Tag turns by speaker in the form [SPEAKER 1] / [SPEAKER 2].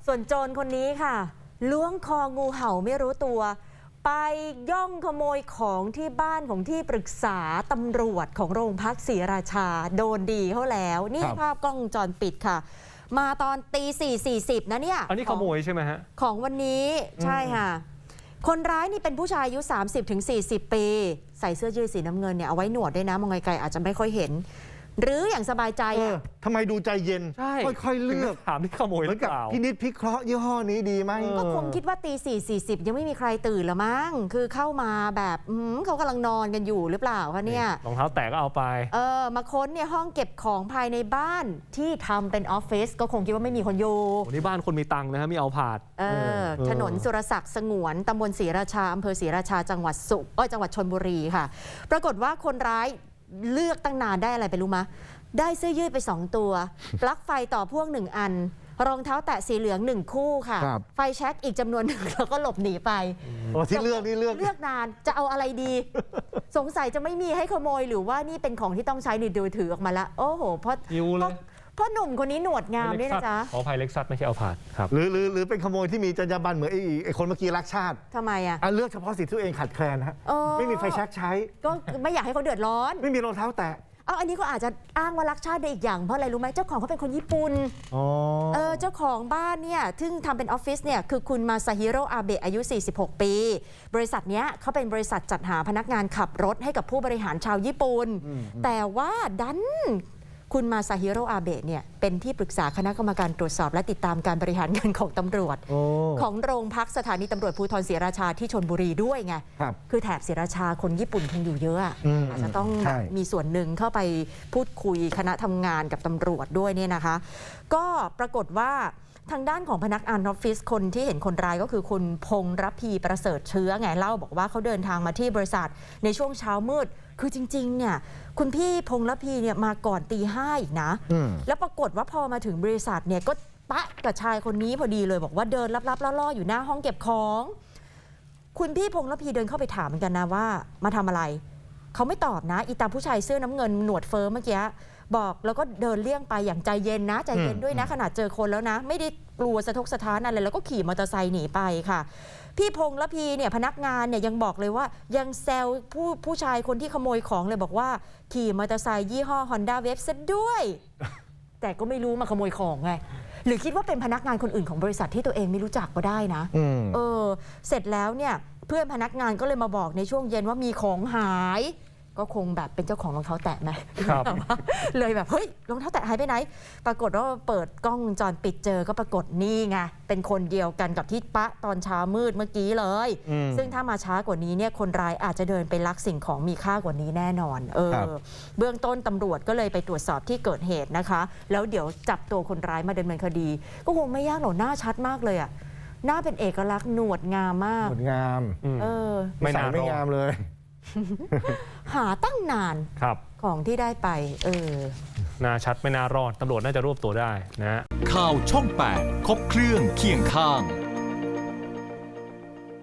[SPEAKER 1] ส่วนโจรคนนี้ค่ะล้วงคองูเห่าไม่รู้ตัวไปย่องขโมยของที่บ้านของที่ปรึกษาตำรวจของโรงพักศรีราชาโดนดีเขาแล้วนี่ภาพกล้องวงจรปิดค่ะมาตอนตี 4:40นะเนี่ย
[SPEAKER 2] อันนี้ขโมยใช่ไหมฮะ
[SPEAKER 1] ของวันนี้ใช่ค่ะคนร้ายนี่เป็นผู้ชายอายุ 30-40 ปีใส่เสื้อยืดสีน้ำเงินเนี่ยเอาไว้หนวดด้วยนะมองไกลๆอาจจะไม่ค่อยเห็นหรืออย่างสบายใจ
[SPEAKER 3] ทำไมดูใจเย็นค่อยๆเลือก
[SPEAKER 2] ถามที่ขโมยหรือเปล่า
[SPEAKER 3] พินิจพิเคราะห์ยี่ห้อนี้ดีไหม
[SPEAKER 1] ก็คงคิดว่าตี 4:40ยังไม่มีใครตื่นละมั้งคือเข้ามาแบบเขากำลังนอนกันอยู่หรือเปล่าคะเนี่ย
[SPEAKER 2] รองเท้าแตะก็เอาไป
[SPEAKER 1] มาค้นเนี่ยห้องเก็บของภายในบ้านที่ทำเป็นออฟฟิศก็คงคิดว่าไม่มีคนอยู่
[SPEAKER 2] นี่บ้านคนมีตังค์นะฮะมีเอาผาด
[SPEAKER 1] ถนนสุรศักดิ์สงวนตำบลศรีราชาอำเภอศรีราชาจังหวัดจังหวัดชลบุรีค่ะปรากฏว่าคนร้ายเลือกตั้งนานได้อะไรไปรู้มะได้เสื้อยืดไป2ตัวปลั๊กไฟต่อพ่วง1อันรองเท้าแตะสีเหลือง1คู่ค่ะไฟแช็กอีกจำนวนหนึ่งแล้วก็หลบหนีไป
[SPEAKER 3] ที่เลือก
[SPEAKER 1] นานจะเอาอะไรดีสงสัยจะไม่มีให้ขโมยหรือว่านี่เป็นของที่ต้องใช้นี่ดูถือออกมาละโอ้โหเพราะหนุ่มคนนี้หนวดงามด้วยนะจ๊ะ
[SPEAKER 2] ขออภัยเล็กซัสไม่ใช่เอาผาดครับ
[SPEAKER 3] หรือเป็นขโมยที่มีจรรยาบรรณเหมือนไอ้คนเมื่อกี้รักชาติ
[SPEAKER 1] ทำไม
[SPEAKER 3] เลือกเฉพาะสิ่งที่ตัวเองขาดแคลนฮะไม่มีไฟแช็กใช้
[SPEAKER 1] ก็ไม่อยากให้เขาเดือดร้อน
[SPEAKER 3] ไม่มีรองเท้าแตะ
[SPEAKER 1] อันนี้ก็อาจจะอ้างว่ารักชาติได้อีกอย่างเพราะอะไรรู้ไหมเจ้าของเขาเป็นคนญี่ปุ่นเจ้าของบ้านเนี่ยซึ่งทำเป็นออฟฟิศเนี่ยคือคุณมาซาฮิโร่อาเบะอายุ46ปีบริษัทเนี้ยเขาเป็นบริษัทจัดหาพนักงานขับรถให้กับผู้บริหารชาวญี่ปุ่นแต่ว่าดันคุณมาซาฮิโร่อาเบะเนี่ยเป็นที่ปรึกษาคณะกรรมการตรวจสอบและติดตามการบริหารงานของตำรวจของโรงพักสถานีตำรวจภูธรศรีราชาที่ชลบุรีด้วยไงคือแถบศรีราชาคนญี่ปุ่นคงอยู่เยอะอาจจะต้องมีส่วนหนึ่งเข้าไปพูดคุยคณะทำงานกับตำรวจด้วยเนี่ยนะคะก็ปรากฏว่าทางด้านของพนักงานออฟฟิศคนที่เห็นคนร้ายก็คือคุณพงษ์รพีประเสริฐเชื้อไงเล่าบอกว่าเขาเดินทางมาที่บริษัทในช่วงเช้ามืดคือจริงๆเนี่ยคุณพี่พงษ์รพีเนี่ยมาก่อนตี 5อีกนะแล้วปรากฏว่าพอมาถึงบริษัทเนี่ยก็ปะกับชายคนนี้พอดีเลยบอกว่าเดินลับๆล่อๆอยู่หน้าห้องเก็บของคุณพี่พงษ์รพีเดินเข้าไปถามเหมือนกันนะว่ามาทำอะไรเขาไม่ตอบนะอีตาผู้ชายเสื้อน้ำเงินหนวดเฟิร์มเมื่อกี้บอกแล้วก็เดินเลี่ยงไปอย่างใจเย็นนะใจเย็นด้วยนะขนาดเจอคนแล้วนะไม่ได้กลัวสะทกสะท้านอะไรแล้วก็ขี่มอเตอร์ไซค์หนีไปค่ะพี่พงษ์รพีเนี่ยพนักงานเนี่ยยังบอกเลยว่ายังแซวผู้ชายคนที่ขโมยของเลยบอกว่าขี่มอเตอร์ไซค์ยี่ห้อ Honda Wave ซะด้วย แต่ก็ไม่รู้มาขโมยของไงหรือคิดว่าเป็นพนักงานคนอื่นของบริษัทที่ตัวเองไม่รู้จักก็ได้นะเสร็จแล้วเนี่ยเพื่อนพนักงานก็เลยมาบอกในช่วงเย็นว่ามีของหายก็คงแบบเป็นเจ้าของรองเท้าแตะไหมเลยแบบเฮ้ยรองเท้าแตะหายไปไหนปรากฏว่าเปิดกล้องวงจรปิดเจอก็ปรากฏนี่ไงเป็นคนเดียวกันกับที่ปะตอนเช้ามืดเมื่อกี้เลยซึ่งถ้ามาช้ากว่านี้เนี่ยคนร้ายอาจจะเดินไปลักสิ่งของมีค่ากว่านี้แน่นอนเบื้องต้นตำรวจก็เลยไปตรวจสอบที่เกิดเหตุนะคะแล้วเดี๋ยวจับตัวคนร้ายมาดำเนินคดีก็คงไม่ยากหรอกหน้าชัดมากเลยอ่ะหน้าเป็นเอกลักษณ์หนวดงามมาก
[SPEAKER 3] หนวดงาม
[SPEAKER 2] ไม่
[SPEAKER 3] งามเลย
[SPEAKER 1] หาตั้งนานของที่ได้ไป
[SPEAKER 2] น่าชัดไม่น่ารอดตำรวจน่าจะรวบตัวได้นะ
[SPEAKER 4] ข่าวช่อง 8 ครบเครื่องเคียงข้าง